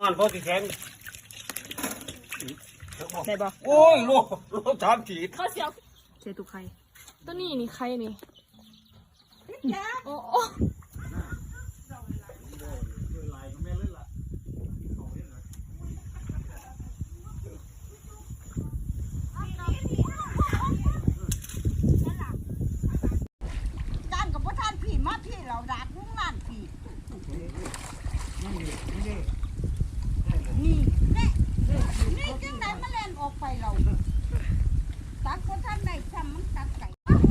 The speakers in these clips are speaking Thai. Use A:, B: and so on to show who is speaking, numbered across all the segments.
A: านพอที่แข็ง
B: ได้บ่
A: โอ้ยโลถามขีด
C: ข้าวเสียว
B: เจตุไข่
C: ตัวนี้นี่ใครนี่โอ้
D: ด้านกับพ่อท่านพี่มาพี่เราดาดมุ้งล้านพี่นี่จังไหนมาเล่นออกไปเราตักพ่อท่านได้จำมันตักไก่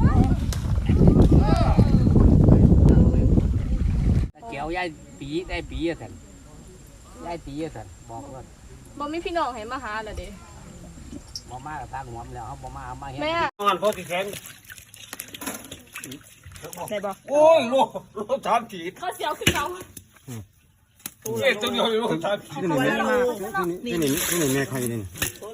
E: เกี่ยวยายปีได้ปีอะสันยายปีอะสันบอกว่า
C: บ่มีพี่น้องให้มาหาล่ะเด้
E: บ่มากับตาหัวมแล้วเขาบ่มาเอามาเห็น
C: แม่
A: งานพอที่แข็ง
B: ได้บ่
A: โอ้ยโลถามขีด
C: ข้าวเสียวคือเรา
A: เจ๊ตัวเดียวโลถามขีด
F: นี่แม่ใครนี่
C: ตัว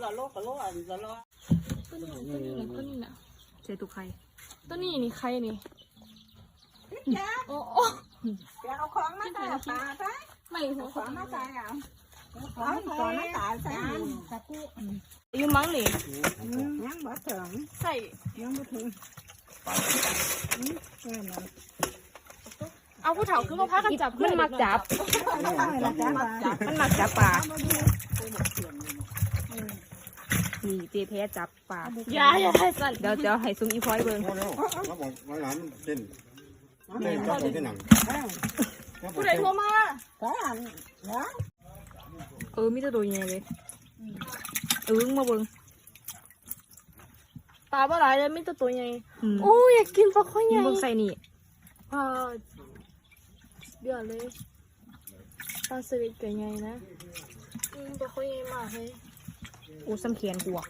C: นี้น่ะ
B: เจตุไข่
C: ตัวนี้นี่ใครนี่โอ้
D: เดี๋ยวเอาของมาใส่ปลาใส่
C: ไม่หัว
D: ของมาใส่เอาของมาใส่ใส่ตะกุ
C: อยู่มั้งนี่
D: ยังบ่ถึง
C: ใส่
D: ยังบ่ถึง
C: เอาผู้เฒ่าคือมาพากันจับ
B: มันมักจับ มันมักจับปลานี่เจแพ้จับปลา
C: อย่าได้สั่น
B: เดี๋ยวให้ซุ้มอีพอยเบิ่ง
F: พอแล้วเขาบอกว่าร้านเต้นเต้นจับตัวที่หนัง
C: ผู้ใดโทรมา
D: ใส่อันเนาะ
B: มีแต่ตัวใหญ่เลยมาเบิ่ง
C: ปลาบ่หลายเลยมีแต่ตัวใหญ่
B: อืม
C: โอ้อยากกินปลาข้อยใหญ่
B: เบิ่งใส่นี่
C: ปลาเดือดเลยปลาสลิดใหญ่นะปลาข้อยใหญ่มากเลย
B: โอ้ซ้ำเขียนกูอ่ะ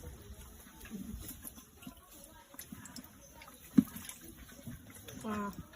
B: ว้าว